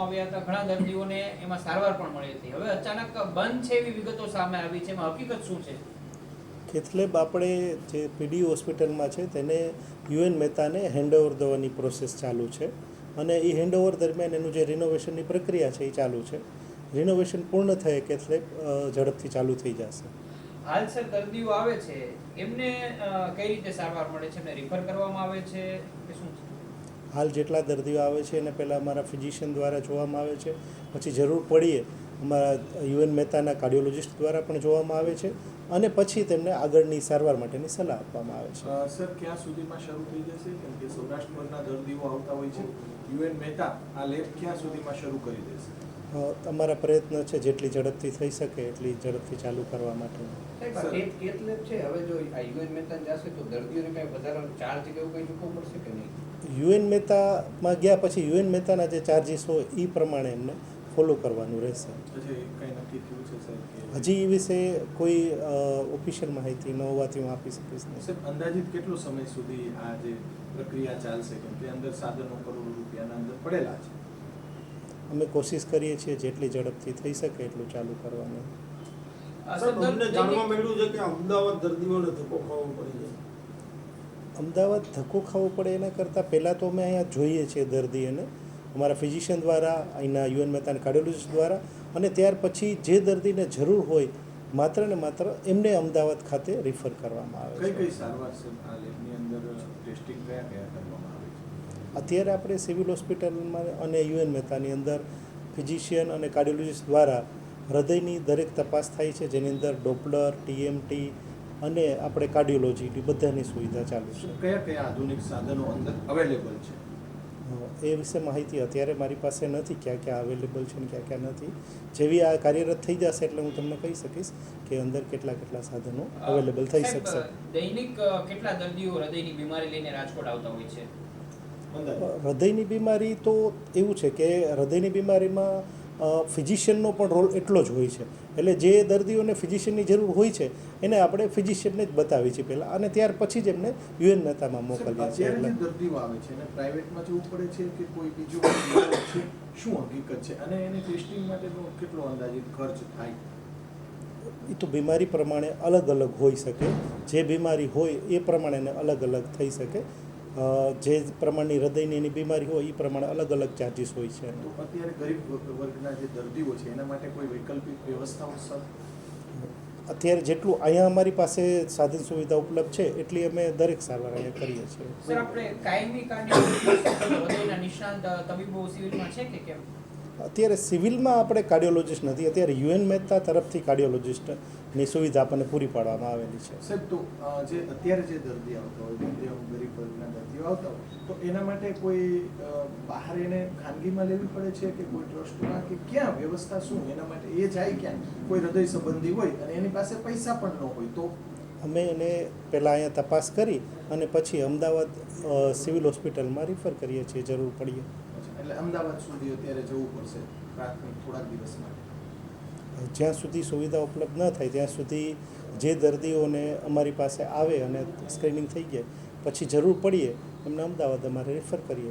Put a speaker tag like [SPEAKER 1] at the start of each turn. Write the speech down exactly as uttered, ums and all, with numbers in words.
[SPEAKER 1] આવ્યા હતા, ઘણા દર્દીઓને એમાં સારવાર પણ મળી હતી. હવે અચાનક બંધ છે એવી વિગતો સામે આવી છે, એમાં હકીકત શું છે?
[SPEAKER 2] કેથલેબ આપણે જે પીડી હોસ્પિટલમાં છે તેને યુએન મહેતાને હેન્ડઓવર દેવાની પ્રોસેસ ચાલુ છે અને એ હેન્ડઓવર દરમિયાન એનું જે રિનોવેશનની પ્રક્રિયા છે એ ચાલુ છે. રિનોવેશન પૂર્ણ થયે કેથલેબ ઝડપથી ચાલુ થઈ જશે.
[SPEAKER 1] હાલ સર દર્દીઓ આવે છે એમને કઈ રીતે સારવાર મળે છે? એમને રિફર કરવામાં આવે છે કે શું છે?
[SPEAKER 2] હાલ જેટલા દર્દીઓ આવે છે એને પહેલાં અમારા ફિઝિશિયન દ્વારા જોવામાં આવે છે, પછી જરૂર પડીએ અમારા યુએન મહેતાના કાર્ડિયોલોજિસ્ટ દ્વારા પણ જોવામાં આવે છે અને પછી તેમને આગળની સારવાર માટેની સલાહ આપવામાં આવે છે.
[SPEAKER 3] સર ક્યાં સુધીમાં શરૂ થઈ જશે? કેમ કે સૌરાષ્ટ્રના દર્દીઓ આવતા હોય છે, યુએન મહેતા આ લેબ ક્યાં સુધીમાં શરૂ કરી દેશે?
[SPEAKER 2] અમારા પ્રયત્ન છે જેટલી ઝડપથી થઈ શકે એટલી ઝડપથી ચાલુ કરવા માટે.
[SPEAKER 4] કેથલેબ છે હવે જો આ યુએન મહેતા જશે તો દર્દીઓને કઈ વધારાનો ચાર્જ કે એવું કંઈ ચૂકવવું પડશે કે નહીં?
[SPEAKER 2] યુએન મહેતામાં ગયા પછી યુએન મહેતાના જે ચાર્જીસ હોય એ પ્રમાણે એમને ફોલો કરવાનું રહેશે. હજી એ વિશે કોઈ ઓફિશિયલ માહિતી ન હોવાથી હું આપી શકીશ નહીં.
[SPEAKER 3] સાહેબ અંદાજિત કેટલો સમય સુધી આ જે પ્રક્રિયા ચાલશે? કેમ કે અંદર સાધનો કરોડો રૂપિયાના અંદર પડેલા છે.
[SPEAKER 2] અમે કોશિશ કરીએ છીએ જેટલી ઝડપથી થઈ શકે એટલું ચાલુ કરવાનું.
[SPEAKER 5] અમને જાણવા મળ્યું છે કે અમદાવાદ દર્દીઓને ધક્કો ખાવો પડી જાય.
[SPEAKER 2] અમદાવાદ ધક્કો ખાવો પડે એના કરતાં પહેલાં તો અમે અહીંયા જોઈએ છીએ દર્દીઓને અમારા ફિઝિશિયન દ્વારા, અહીંના યુએન મહેતાના કાર્ડિયોલોજિસ્ટ દ્વારા, અને ત્યાર પછી જે દર્દીને જરૂર હોય માત્ર ને માત્ર એમને અમદાવાદ ખાતે રિફર કરવામાં આવે છે.
[SPEAKER 3] કઈ કઈ સારવાર છે આ લેબની અંદર? ટેસ્ટિંગ કયા કયા કરવામાં આવે છે?
[SPEAKER 2] અત્યારે આપણે સિવિલ હોસ્પિટલમાં અને યુએન મહેતાની અંદર ફિઝિશિયન અને કાર્ડિયોલોજિસ્ટ દ્વારા હૃદયની દરેક તપાસ થાય છે, જેની અંદર ડોપલર, ટીએમટી અને આપણે કાર્ડિયોલોજી બધાની સુવિધા ચાલુ છે.
[SPEAKER 3] કયા કયા આધુનિક સાધનો અંદર અવેલેબલ છે
[SPEAKER 2] એ વિશે માહિતી અત્યારે મારી પાસે નથી, ક્યાં ક્યાં અવેલેબલ છે ને ક્યાં ક્યાં નથી. જેવી આ કાર્યરત થઈ જશે એટલે હું તમને કહી શકીશ કે અંદર કેટલા કેટલા સાધનો અવેલેબલ થઈ શકશે.
[SPEAKER 1] દૈનિક કેટલા દર્દીઓ હૃદયની બીમારી લઈને રાજકોટ આવતા હોય છે?
[SPEAKER 2] હૃદયની બીમારી તો એવું છે કે હૃદયની બીમારીમાં ફિઝિશિયનનો પણ રોલ એટલો જ હોય છે. એટલે જે દર્દીઓને ફિઝિશિયનની જરૂર હોય છે એને આપણે ફિઝિશિયનને જ બતાવીએ છીએ પહેલાં, અને ત્યાર પછી જ એમને યુએન મહેતામાં મોકલીએ છીએ.
[SPEAKER 3] એટલે દર્દીઓ આવે છે અને પ્રાઇવેટમાં જવું પડે છે કે કોઈ બીજું છે, શું હકીકત છે? અને એને ટેસ્ટિંગ માટેનો કેટલો અંદાજિત ખર્ચ થાય?
[SPEAKER 2] એ તો બીમારી પ્રમાણે અલગ અલગ હોઈ શકે. જે બીમારી હોય એ પ્રમાણે એને અલગ અલગ થઈ શકે. જે પ્રમાણની હૃદયની એની બીમારી હોય એ પ્રમાણે અલગ અલગ ચાર્જીસ હોય છે.
[SPEAKER 3] તો અત્યારે ગરીબ વર્ગના જે દર્દીઓ છે એના માટે કોઈ વૈકલ્પિક વ્યવસ્થાઓ સર?
[SPEAKER 2] અત્યારે જેટલું અહીંયા અમારી પાસે સાધન સુવિધા ઉપલબ્ધ છે એટલી અમે દરેક સારવાર અહીંયા કરીએ છીએ.
[SPEAKER 1] સર આપણે કાયમી કાર્ડિયોલોજિસ્ટ નિષ્ણાંત તબીબો સિવિલમાં છે કે કેમ?
[SPEAKER 2] અત્યારે સિવિલમાં આપણે કાર્ડિયોલોજિસ્ટ નથી, અત્યારે યુએન મહેતા તરફથી કાર્ડિયોલોજિસ્ટની સુવિધા આપણને પૂરી પાડવામાં આવેલી છે.
[SPEAKER 3] સાહેબ તો જે અત્યારે જે દર્દી આવતા હોય, મધ્યમ ગરીબ વર્ગના દર્દીઓ આવતા હોય, તો એના માટે કોઈ બહાર એને ખાનગીમાં લેવી પડે છે કે કોઈ ટ્રસ્ટમાં, કે ક્યાં વ્યવસ્થા શું એના માટે? એ જાય ક્યાં? કોઈ હૃદય સંબંધી હોય અને એની પાસે પૈસા પણ ન હોય તો?
[SPEAKER 2] અમે એને પહેલાં અહીંયા તપાસ કરી અને પછી અમદાવાદ સિવિલ હોસ્પિટલમાં રિફર કરીએ છીએ જરૂર પડીએ.
[SPEAKER 3] એટલે અમદાવાદ સુધી અત્યારે જવું પડશે પ્રાથમિક થોડાક દિવસ માટે?
[SPEAKER 2] જ્યાં સુધી સુવિધા ઉપલબ્ધ ન થાય ત્યાં સુધી જે દર્દીઓને અમારી પાસે આવે અને સ્ક્રીનિંગ થઈ જાય પછી જરૂર પડીએ એમને અમદાવાદ અમારે રિફર કરીએ.